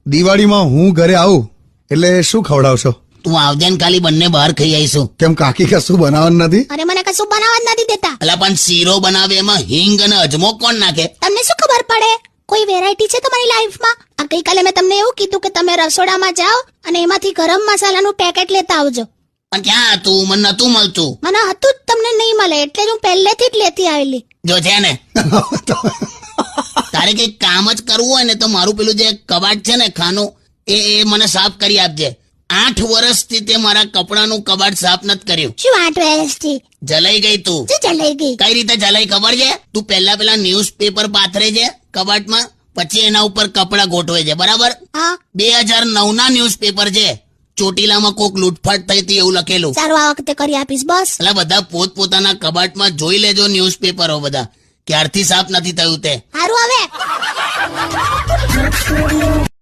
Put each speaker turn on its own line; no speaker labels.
દિવાળીમાં હું ઘરે આવું એટલે શું ખવડાવશો?
તું આવજે ને ખાલી બંને બહાર ખાઈ આવીશું.
કેમ કાકી કશું બનાવવાનું નથી?
અરે મને કશું બનાવવા જ નથી દેતા.
અલા પણ શીરો બનાવે એમાં હિંગ અને અજમો કોણ નાખે?
તમને શું ખબર પડે? કોઈ વેરાયટી છે તમારી લાઈફમાં? આ ગઈકાલે મેં તમને એવું કીધું કે તમે રસોડામાં જાઓ અને એમાંથી ગરમ મસાલાનું પેકેટ લેતા આવજો.
પણ ક્યાં હતું? મને નતું મળતું.
મને હતું જ, તમને નહીં મળે એટલે જ હું પહેલેથી જ લેતી આવેલી.
જો છે ને તારે કઈ કામ જ કરવું હોય ને તો મારું પેલું જે કબાટ છે ને ખાનું એ મને સાફ કરી આપજે. 8 વર્ષથી તે મારા કપડાનું કબાટ સાફ નથી કર્યું.
શું 8 વર્ષથી?
જલાઈ ગઈ તું.
શું ચલાઈ ગઈ?
કઈ રીતે જલાઈ ખબર છે? તું પેલા ન્યૂઝપેપર પાથરે છે કબાટમાં, પછી એના ઉપર કપડા ગોઠવે છે, બરાબર?
હા.
2009 ના ન્યૂઝપેપર છે. ચોટીલામાં કોક લૂંટફાટ થઈ હતી એવું લખેલું.
સારું, આ વખતે કરી આપીશ બસ.
એટલે બધા પોતપોતાના કબાટમાં જોઈ લેજો ન્યૂઝપેપરો બધા ક્યારથી સાફ નથી થયું તે.
સારું હવે